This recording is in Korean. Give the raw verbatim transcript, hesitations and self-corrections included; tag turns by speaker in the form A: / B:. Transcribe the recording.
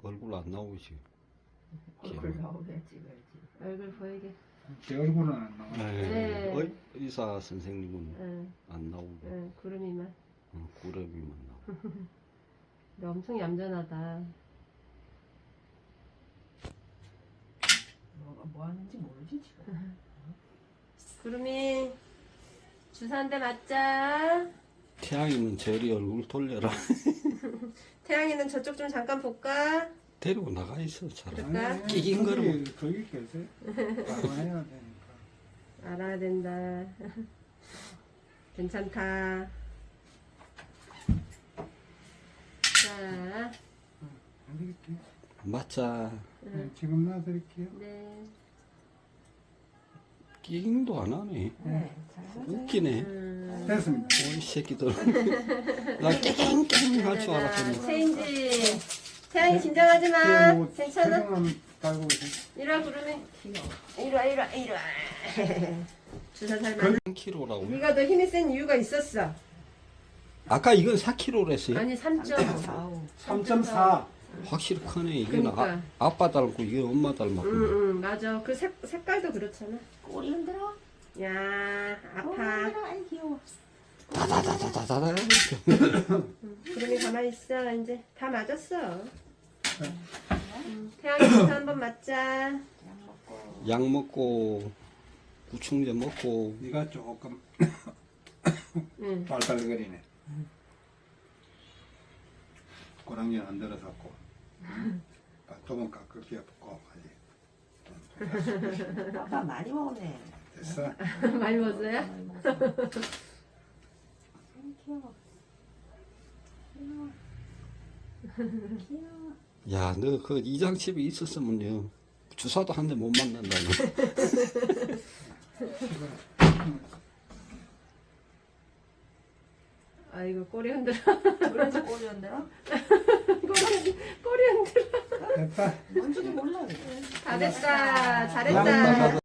A: 얼굴 안 나오지.
B: 얼굴 나오게 찍어야지.
C: 얼굴 보이게.
D: 제 얼굴은 안 나와.
C: 네.
A: 의, 의사 선생님은
C: 응,
A: 안 나오고
C: 응, 구름이만.
A: 어, 구름이만 나오고.
C: 근데 엄청 얌전하다.
B: 뭐가 뭐 하는지 모르지 지금.
C: 구름이 주사 한 대 맞자.
A: 태양이는 저리 얼굴 돌려라.
C: 태양이는 저쪽 좀 잠깐 볼까?
A: 데리고 나가 있어 차라리.
C: 그럴까?
A: 끼긴 거를
D: 거기 계세요. 알아야 되니까.
C: 알아야 된다. 괜찮다. 자,
D: 안 되겠지.
A: 맞자.
D: 네, 지금 놔드릴게요.
C: 네.
A: 끼긴도 안 하네.
B: 네, 잘 맞아요.
A: 웃기네.
C: 음,
D: 됐습니다.
A: 이 새끼들. 나 깨갱깨갱 할 줄 알았더니.
C: 체인지. 태양이 긴장하지 마.
D: 뭐
C: 괜찮아?
D: 세정함 달고 계세요.
C: 이리 와, 구름이.
B: 귀여워.
C: 이리 와, 이리 와, 이리 와. 주사 잘 맞아.
A: 삼 킬로라고.
C: 네가 더 힘이 센 이유가 있었어.
A: 아까 이건 사 킬로랬어요.
C: 아니, 삼 점 오.
B: 아우.
D: 삼 점 사.
A: 확실히 크네. 이건
C: 그러니까.
A: 아, 아빠 닮고 이게 엄마 닮았고.
C: 응, 응, 맞아. 그 색, 색깔도 그렇잖아.
B: 꼬리 흔들어.
C: 야,
B: 꼬리
C: 아파.
B: 흔들어. 아이 귀여워.
A: 다다다다다다.
C: 구름이 가만히 있어. 이제 다 맞았어. 응, 태양이 주사 한번 맞자.
B: 약 먹고.
A: 약 먹고 구충제 먹고.
D: 네가 조금
C: 응.
D: 발발거리네. 고랑이 안 들어섰고. 조금 깎을게 꼭 하지.
B: 아빠 많이 먹었네.
D: 됐어.
C: 많이 먹었어요?
B: 많이 먹었어. 아이 귀여워. 귀여워. 귀여워.
A: 야, 너 그 이장집에 있었으면요. 주사도 한 대 못 맞는다.
C: 아이고, 꼬리 흔들어.
B: 그래서 꼬리 흔들어?
C: 꼬리, 꼬리 흔들어.
D: 됐다.
B: 뭔지도 몰라.
C: 다 됐다.
D: 나는
C: 잘했다.
D: 나가서